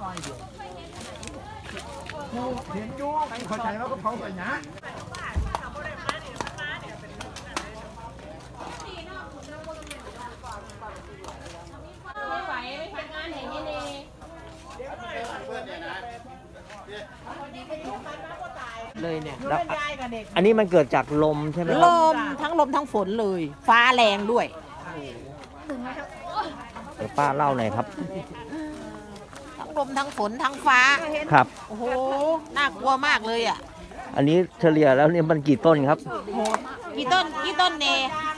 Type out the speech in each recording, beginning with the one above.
เห็นอยู่เข้าใจว่าก็เผาไปนะไม่ไหวไม่ทำงานอย่างนี้นี่เลยเนี่ยแล้วอันนี้มันเกิดจากลมใช่ไหมคลรับมทั้งฝนเลย ฟ้าแรงด้วยเดี๋ยวป้าเล่าหน่อยครับทั้งลมทั้งฝนทั้งฟ้าครับโอ้โหน่ากลัวมากเลยอ่ะอันนี้เฉลี่ยแล้วเนี่ยมันกี่ต้นครับกี่ต้นเน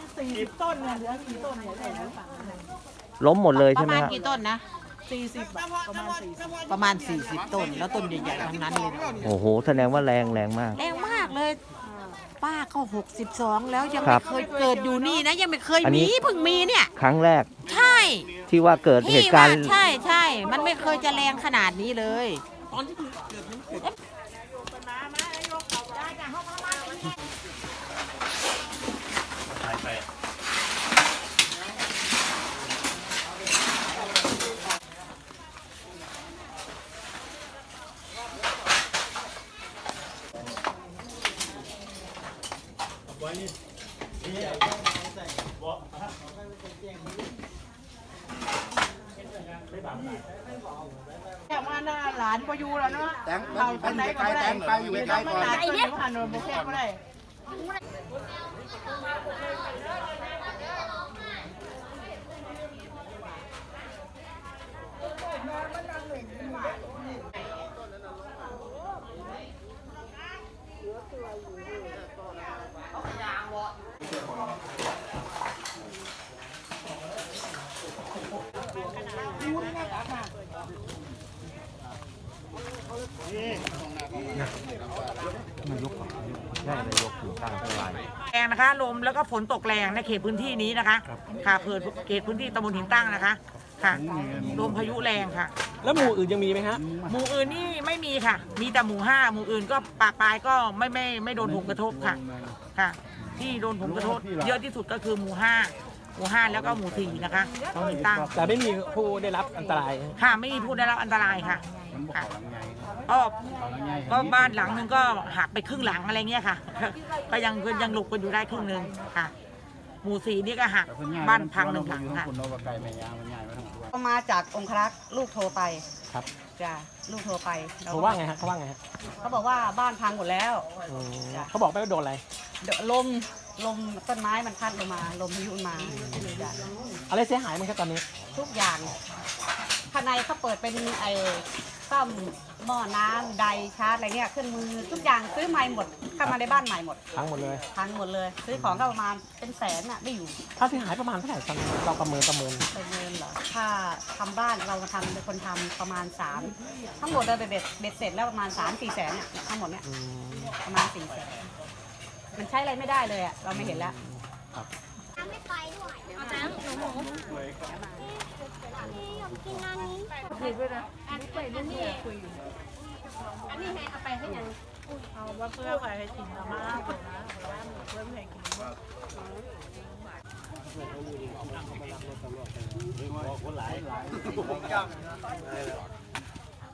ล้มหมดเลยปใช่ระไหมมาณครับกี่ต้นนะประมาณ 40 ต้น แล้วต้นใหญ่ๆทั้งนั้นเลยนะโอ้โหแสดงว่าแรงมากแรงมากเลย ป้าก็62แล้วยังครัไม่บเคยเกิดอยู่นี่นะยังไม่เคยอันนี้มีเพิ่งมีเนี่ยครั้งแรกใช่ที่ว่าเกิดเหพี่ตุการว่าณ์ใช่ มันไม่เคยจะแรงขนาดนี้เลย แค่มาหน้าหลานก็อยู่แล้วเนาะแตงมันอยู่ไกลแตงไปอยู่ไกลก่อนไอ้เนี่ยผ่านโดนโมแค่ก็ได้แรงนะคะลมแล้วก็ฝนตกแรงในเขตพื้นที่นี้นะคะค่ะเขตพื้นที่ตำบลหินตั้งนะคะค่ะลมพายุแรงค่ะแล้วหมู่อื่นยังมีไหมฮะหมู่อื่นนี่ไม่มีค่ะ มีแต่หมู่5หมู่อื่นก็ปากปลายก็ไม่โดนผลกระทบค่ะค่ะ ที่โดนผลกระทบเยอะที่สุดก็คือหมู่5แล้วก็หมู่4นะคะตำบลหินตั้งแต่ไม่มีผู้ได้รับอันตรายค่ะไม่มีผู้ได้รับอันตรายค่ะค่ะก็บ้านหลังนึงก็หักไปครึ่งหลังอะไรเงี้ยค่ะ ก็ยังหลบกันอยู่ได้ครึ่งนึงค่ะ หมู่4นี่ก็หักบ้านพัง1 หลังค่ะมาจากองครักษ์ลูกโทรไปครับจ้ะลูกโทรไปเขาว่าไงฮะเขาว่าไงฮะเขาบอกว่าบ้านพังหมดแล้วเขาบอกไม่ว่าโดนอะไรลมต้นไม้มันพัดลงมาลมพายุมาจ้ะอะไรเสียหายมั้งครับตอนนี้ทุกอย่างภายในเขาเปิดเป็นไอ้ซ่อมหม้อน้ำไดชาร์จอะไรเงี้ยเครื่องมือทุกอย่างซื้อใหม่หมดเข้ามาในบ้านใหม่หมดทั้งหมดเลยพังหมดเลย ซื้อของก็ประมาณเป็นแสนน่ะไม่อยู่ค่าเสียหายประมาณเท่าไหร่ตอนนี้เราประเมินเป็นเงินเหรอถ้าทำบ้านเราทำเป็นคนทำประมาณ3ทั้งหมดเลยเบ็ดเสร็จแล้วประมาณ3-4 แสนเนี่ยทั้งหมดเนี่ยประมาณ4 แสนมันใช้อะไรไม่ได้เลยอ่ะเราไม่เห็นแล้วไม่ไปด้วยเอาน้ำหนูอยากกินอันนี้คุยด้วยนะอันนี้ให้เอาไปให้ยังเอาว่าเพื่อใครให้กินมาม่าเพื่อนนะเพื่อนให้กินคนหลาย